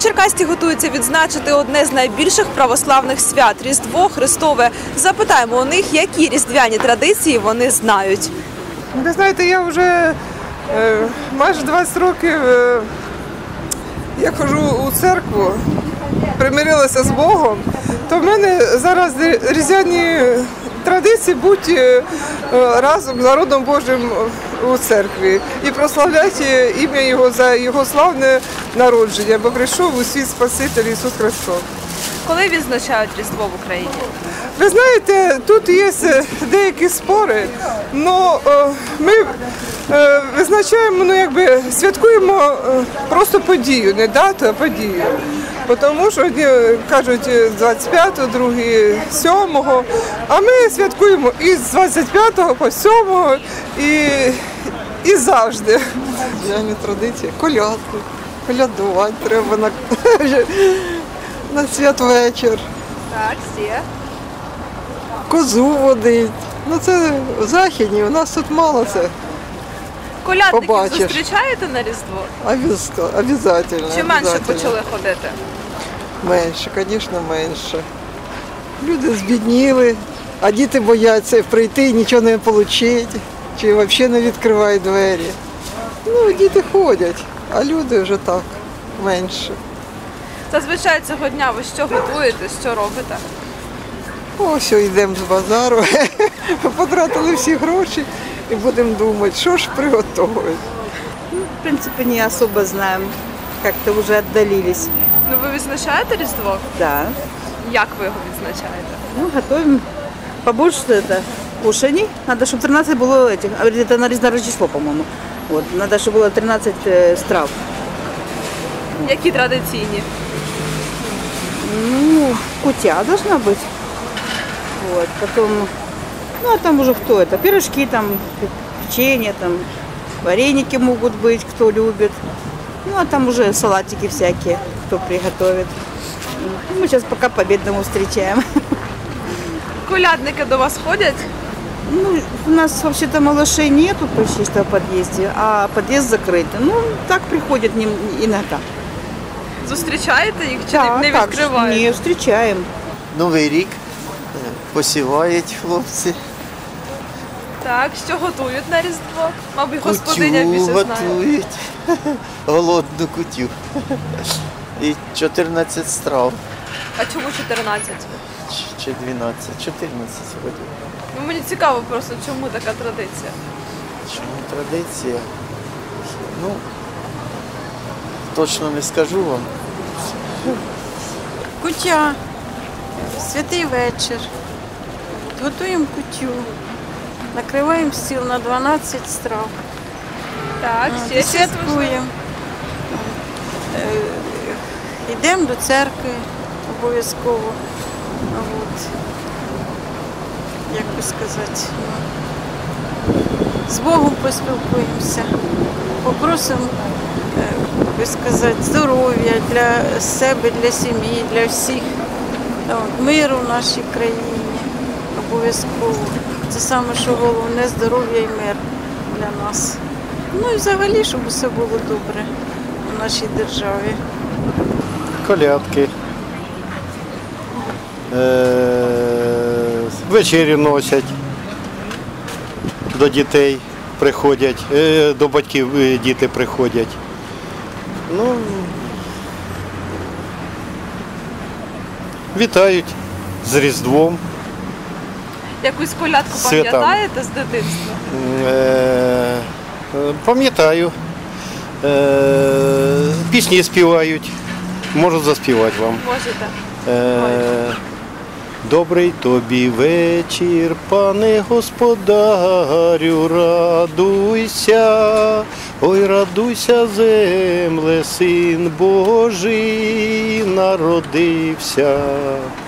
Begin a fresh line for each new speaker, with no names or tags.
Черкасті готуються відзначити одне з найбільших православних свят – Різдво Христове. Запитаємо у них, які різдвяні традиції вони знають.
Ви знаєте, я вже майже 20 років я ходжу у церкву, примирилася з Богом, то в мене зараз різдвяні традиції бути разом з народом Божим у церкві і прославляти ім'я Його за Його славне народження, бо прийшов у світ Спаситель Ісус Христос.
Коли відзначають Різдво в Україні?
Ви знаєте, тут є деякі спори, але ми визначаємо, святкуємо просто подію, не дату, а подію. Тому що одні кажуть 25-го, другі 7-го, а ми святкуємо і з 25-го по 7-го і завжди.
Різдвяні традиції, колядки, колядувати треба на святвечір.
Так, всі.
Козу водить. Це в Західні, у нас тут мало це.
Колядників
Побачиш.
зустрічаєте на Різдво?
Обов'язково.
Чи менше почали ходити?
Менше, звісно, менше. Люди збідніли, а діти бояться прийти і нічого не отримати, чи взагалі не відкривають двері. Діти ходять, а люди вже так, менше.
Зазвичай цього дня ви що готуєте, що робите?
Ось йдемо з базару, потратили всі гроші і будемо думати, що ж приготувати.
В принципе, не особо знаем, как-то уже отдалились.
Ну, ви відзначаєте Різдво?
Да.
Як ви його відзначаєте?
Готовим побольше кушаний. Надо, чтобы 13 было этих, это на Рождество, по-моему. Надо, чтобы было 13 страв.
Які традиційні?
Кутя должна быть. Потом, а там уже кто это? Пирожки, там, печенье, там, вареники могут быть, кто любит. А там уже салатики всякие, кто приготовит. Мы сейчас пока по-бедному встречаем.
Колядники до вас ходять?
У нас вообще-то малышей нету почти что в подъезде, а подъезд закрытый. Так приходят иногда.
Зустрічаєте їх чи не відкриваєте?
Не, встречаем.
Новий рік посівають хлопці.
Так, що готують на Різдво? Мабуть, господиня більше знає.
Готують. Голодну кутю. І 14 страв.
А чому 14?
Чи 12? 14 вроді.
Мені цікаво просто, чому така традиція?
Чому традиція? Точно не скажу вам.
Куття, святий вечір, готуємо кутю, накриваємо стіл на 12 страв.
Так, ще
І святкуємо. Йдемо до церкви обов'язково. Як би сказати, з Богом поспілкуємося, попросимо здоров'я для себе, для сім'ї, для всіх, миру в нашій країні обов'язково. Це саме, що головне, здоров'я і мир для нас. І взагалі, щоб все було добре в нашій державі.
Колядки. Вечері носять, до дітей приходять, до батьків діти приходять. Вітають з Різдвом.
Якусь колядку пам'ятаєте з дитинства?
Пам'ятаю. Пісні співають. Можу заспівати вам.
Можете.
Добрий тобі вечір, пане господарю, радуйся, ой, радуйся, земле, син Божий народився.